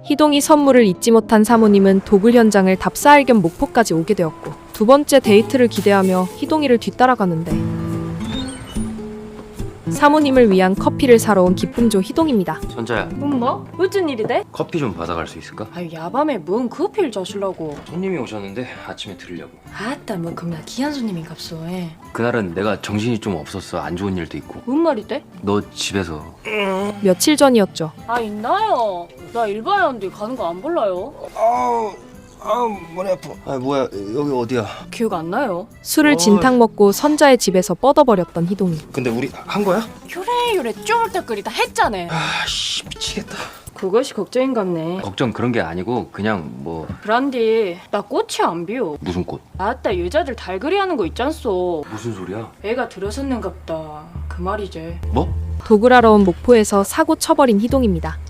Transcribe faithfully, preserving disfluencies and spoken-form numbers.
희동이 선물을 잊지 못한 사모님은 도굴 현장을 답사할 겸 목포까지 오게 되었고 두 번째 데이트를 기대하며 희동이를 뒤따라가는데 사모님을 위한 커피를 사러 온 기쁨조 희동입니다. 선자야, 엄마? 어쩐 일이대? 커피 좀 받아갈 수 있을까? 아유 야밤에 뭔 커피를 자실라고. 손님이 오셨는데 아침에 들으려고. 아따 뭐 겁나 귀한 손님인갑소. 에. 그날은 내가 정신이 좀 없었어. 안 좋은 일도 있고. 뭔 말이대? 너 집에서 며칠 전이었죠. 아 있나요? 나 일반에 왔는데 가는 거 안 몰라요. 아우 아우 머리 아파. 아 뭐야 여기 어디야? 기억 안 나요? 술을 어. 진탕 먹고 선자의 집에서 뻗어버렸던 희동이. 근데 우리 한 거야? 요래 요래 쪼물딱거리다 했잖아. 아씨 미치겠다. 그것이 걱정인갑네. 걱정 그런 게 아니고 그냥 뭐 브란디 나 꽃이 안 비워. 무슨 꽃? 아따 여자들 달그리 하는 거 있잖소. 무슨 소리야? 애가 들어섰는갑다. 그 말이지. 뭐? 도굴하러 온 목포에서 사고 쳐버린 희동입니다.